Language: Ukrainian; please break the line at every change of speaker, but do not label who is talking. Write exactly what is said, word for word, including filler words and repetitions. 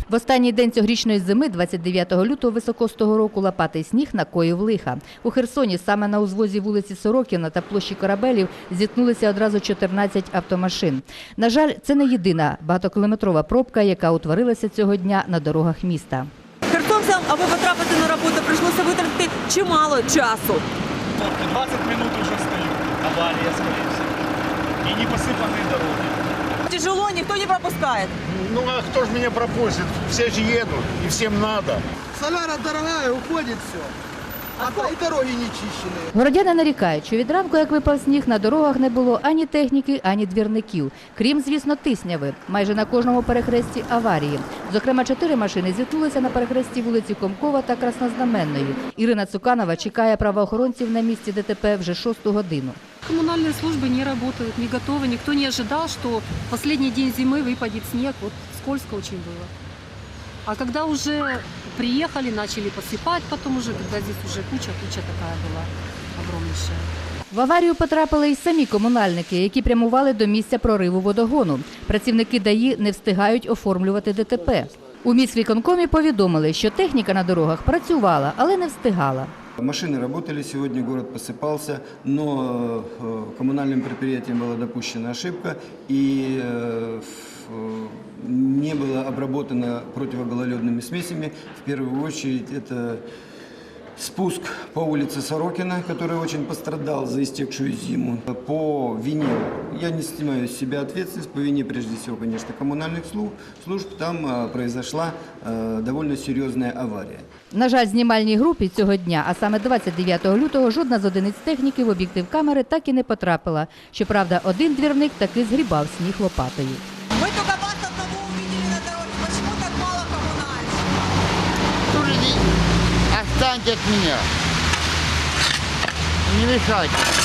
В останній день цьогорічної зими, двадцять дев'ятого лютого високостого року, лопатий сніг накоїв лиха. У Херсоні саме на узвозі вулиці Сорокіна та площі Корабелів зіткнулися одразу чотирнадцять автомашин. На жаль, це не єдина багатокілометрова пробка, яка утворилася цього дня на дорогах міста.
Херсонцям, аби потрапити на роботу, прийшлося витратити чимало часу.
двадцать минут уже стою. Авария, скорее всего. И не посыпанные дороги.
Тяжело, никто не пропускает.
Ну а кто же меня пропустит? Все же едут, и всем надо.
Соляра дорогая, уходит все. А то и дороги не чищены.
Городяни нарікають, що від ранку, як випав сніг, на дорогах не було ані техніки, ані двірників. Крім, звісно, тисняви. Майже на кожному перехресті аварії. Зокрема, чотири машини зіткнулися на перехресті вулиці Комкова та Краснознаменної. Ірина Цуканова чекає правоохоронців на місці ДТП вже шосту годину.
Коммунальные службы не работают, не готовы. Никто не ожидал, что в последний день зимы выпадет снег. Вот скользко очень было. А когда уже приехали, начали посыпать, потом уже, когда здесь уже куча-куча такая была огромнейшая.
В аварію потрапили й самі комунальники, які прямували до місця прориву водогону. Працівники ДАІ не встигають оформлювати ДТП. У міськвиконкомі повідомили, що техніка на дорогах працювала, але не встигала.
Машины работали, сегодня город посыпался, но коммунальным предприятием была допущена ошибка и не было обработано противогололедными смесями. В первую очередь это спуск по улице Сорокина, который очень пострадал за истекшую зиму. По вине, я не снимаю с себя ответственность, по вине прежде всего, конечно, коммунальных служб, там произошла довольно серьезная авария.
На жаль, знімальній групі цього дня, а саме двадцять дев'ятого лютого, жодна з одиниць техніки в об'єктив камери так і не потрапила. Щоправда, один двірник таки згрібав сніг лопатою.
Мы только вас одного увидели на дороге. Почему так мало коммунальщиков?
Отстаньте от меня. Не мешайте.